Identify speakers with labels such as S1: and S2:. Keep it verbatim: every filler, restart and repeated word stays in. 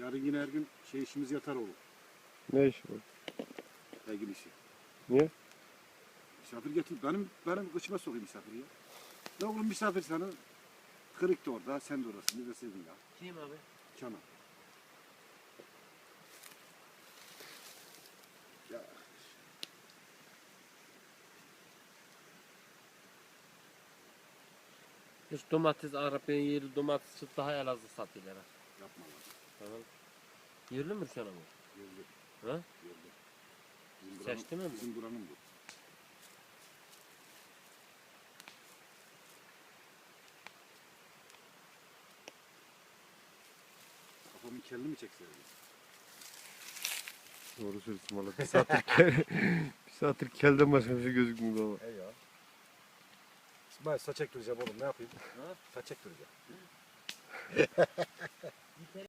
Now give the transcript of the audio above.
S1: Yarın yine her gün şey işimiz yatar oğlum.
S2: Ne iş bu?
S1: Ergin işi.
S2: Niye?
S1: Misafir getir. Benim benim kıçıma sokayım misafiri ya. Ya oğlum misafir sana kırık da orada, sen de orasın. Ne deseydin ya.
S3: Kim abi?
S1: Kenan. Ya.
S3: Hiç domates Arap'ın yeri domates çıktı daha Elazığ satıyorlar. ha.
S1: Yapma lan.
S3: Tamam. Yerli mi sana bu?
S1: Gördüm.
S3: Ha?
S1: Gördüm. Bizim buranın-
S3: Seçti mi bu?
S1: Bizim buranın bu. Kafamın kelini mi çekseydin?
S2: Doğru söylüyorsun valla. Bir saattir kel, bir saattir kelden başka bir şey gözükmüyor ama.
S1: He ya. İsmail saç ektireceğim oğlum, ne yapayım?
S3: Ha?
S1: Saç ektireceğim.